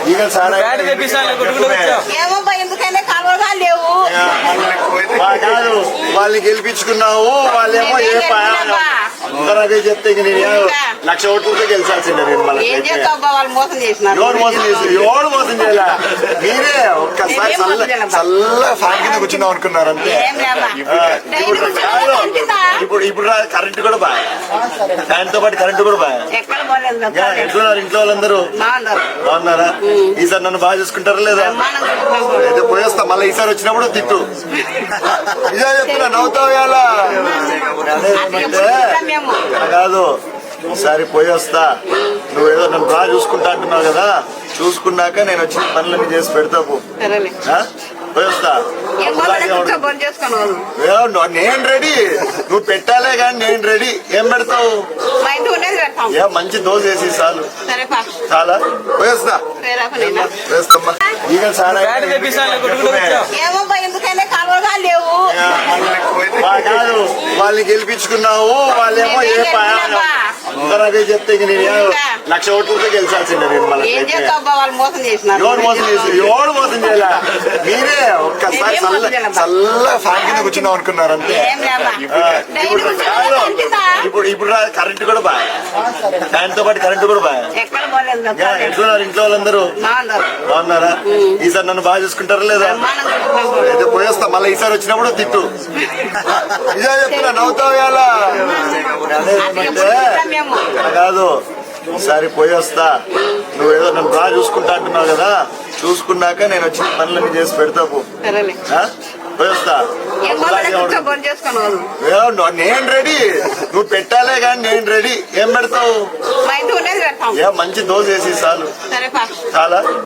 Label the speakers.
Speaker 1: ఏమో ఎందుకైనా కాలువగా లేవు
Speaker 2: కాదు వాళ్ళని గెలిపించుకున్నావు, వాళ్ళేమో ఏ అందరూ అదే చెప్తే ఇంక నేను 1,00,000 ఓట్లతో గెలిచాల్సిందే. నేను మళ్ళీ
Speaker 1: ఏం చేస్తావు వాళ్ళు మోసం చేసినారు.
Speaker 2: ఎవరు మోసం చేసి ఎవరు మోసం చేయాల? మీరే ఒక్కసారి చల్ల ఫ్యాన్ కింద కూర్చుందాం అనుకున్నారు అంతే. ఇప్పుడు కరెంట్ కూడా బాగా, ఫ్యాన్ తో పాటు కరెంట్ కూడా బాగా. ఎట్లున్నారు ఇంట్లో వాళ్ళందరూ? బాగున్నారా? ఈసారి నన్ను బాగా చూసుకుంటారా లేదా? అయితే పోయేస్తా, మళ్ళీ ఈసారి వచ్చినప్పుడు తిట్టు. నిజా చెప్తున్నా, నవ్వుతావు ఇలా కాదు. ఈసారి పోయేస్తా, నువ్వేదో నన్ను బాగా చూసుకుంటా అంటున్నావు కదా, చూసుకున్నాక నేను వచ్చిన పనులన్నీ చేసి పెడతావు. పోయేస్తా. నేను రెడీ, నువ్వు పెట్టాలే కానీ నేను రెడీ. ఏం పెడతావు? ఏ మంచి దోశ వేసి చాలు. చాలా పోయేస్తా. వేస్తామ్మా. ఈగ సారా
Speaker 1: లేవు
Speaker 2: కాదు వాళ్ళని గెలిపించుకున్నావు, వాళ్ళేమో ఏ అందరూ అదే చెప్తే ఇంక నేను 1,00,000 ఓట్లతో గెలిచాల్సిందే. నేను మళ్ళీ
Speaker 1: వాళ్ళు మోసం చేసినారు.
Speaker 2: ఎవరు మోసం చేసి ఎవరు మోసం చేయాల? మీరే ఒక్కసారి చల్ల ఫ్యాన్ కింద కూర్చుందాం అనుకున్నారు అంతే. ఇప్పుడు కరెంట్ కూడా బాగా, ఫ్యాన్ తో పాటు కరెంట్ కూడా బాగా. ఎట్లున్నారు ఇంట్లో వాళ్ళందరూ? బాగున్నారా? ఈసారి నన్ను బాగా చూసుకుంటారా లేదా? అయితే పోయేస్తా, మళ్ళీ ఈసారి వచ్చినప్పుడు తిట్టు. నిజా చెప్తున్నా, నవ్వుతావు ఇలా కాదు. ఈసారి పోయేస్తా, నువ్వేదో నన్ను బాగా చూసుకుంటా అంటున్నావు కదా, చూసుకున్నాక నేను వచ్చిన పనులన్నీ చేసి పెడతావు. పోయేస్తా. నేను రెడీ, నువ్వు పెట్టాలే కానీ నేను రెడీ. ఏం పెడతావు? ఏ మంచి దోశ వేసి చాలు. చాలా.